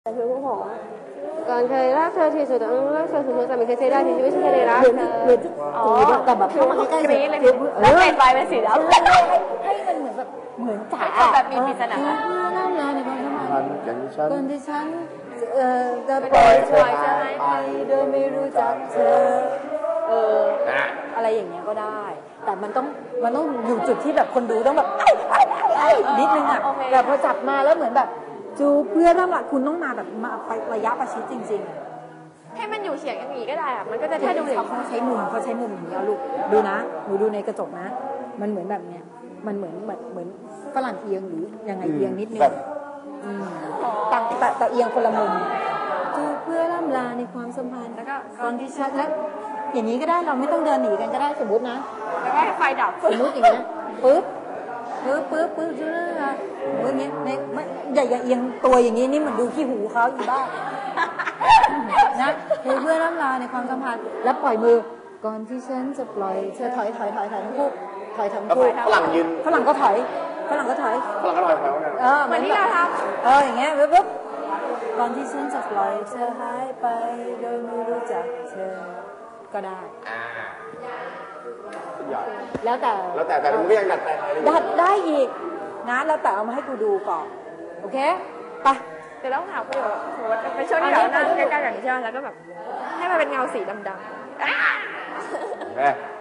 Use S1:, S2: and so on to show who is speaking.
S1: แต่คือผู้ผมก่อนเคยรักเธอที่สุดรักเธอสุดๆแต่ไม่เคยเสียดายที่ชีวิตฉันเคยได้รักเธอ
S2: อ๋อแต่แบบเข้ามาใกล้ๆเลย
S1: แล้วเปลี่ยนไปเป็นสีดำ
S2: ให้มันเหมือนแบบเหมือนจ๋า
S1: แบบมีปริศนา
S2: น้ำลายในความสัมพันธ์ก่อนที่ฉันจะป
S1: ปล่
S2: ล่
S1: อ
S2: อย ย
S1: เธ
S2: เธ
S1: อ
S2: อหายไปโดยไม่รู้จักเธออะไรอย่างเงี้ยก็ได้ แต่มันต้องอยู่จุดที่แบบคนดูต้องแบบนิดนึงอ่ะแบบพอจับมาแล้วเหมือนแบบจูเพื่อนร่ำละคุณต้องมาแบบมาไประยะประชิดจริงๆ
S1: ให้มันอยู่เฉียงอย่างนี้ก็ได้อะมันก็จะแค่ดู
S2: เขาใช้มุมอย่างนี้เอาลูกดูนะหนูดูในกระจกนะมันเหมือนแบบเนี้ยมันเหมือนฝรั่งเอียงหรือยังไงเอียงนิดนึงแต่เอียงคนละมุมจูเพื่อล่ำลาในความสัมพันธ์
S1: แล้วก็
S2: ตอนที่ชัดแล้วอย่างนี้ก็ได้เราไม่ต้องเดินหนีกันก็ได้สมมตินะ
S1: แล้วก็ให้ไฟดับ
S2: สมมติอย่างเงี้ยปึ๊บจูเรื่องอะอย่างเงี้ยอย่าเอียงตัวอย่างนี้นี่เหมือนดูขี้หูเขาอยู่บ้างนะเพื่อล่ำลาในความสัมพันธ์แล้วปล่อยมือก่อนที่ฉันจะปล่อยเธอถอยทั้งคู่ถอยทั้งคู่
S3: ฝรั่งยืน
S2: ฝรั่งก็ถอย
S1: เหมือนที่เราท
S2: ำอย่างเงี้ยปึ๊บก่อนที่ฉันจะปล่อยเธอหายไปโดยไม่รู้จักเธอก็ได้แล้วแต่
S3: มันก็ยังดัดแปลง
S2: ได้อีกนะแล้วแต่เอามาให้กูดูก่อนโอเคไป
S1: เดี๋ยวต้องถามประโยชน์สมมติเป็นช่วงที่เรานั่งใกล้ๆกันใช่ไหมแล้วก็แบบให้มันเป็นเงาสีดำๆ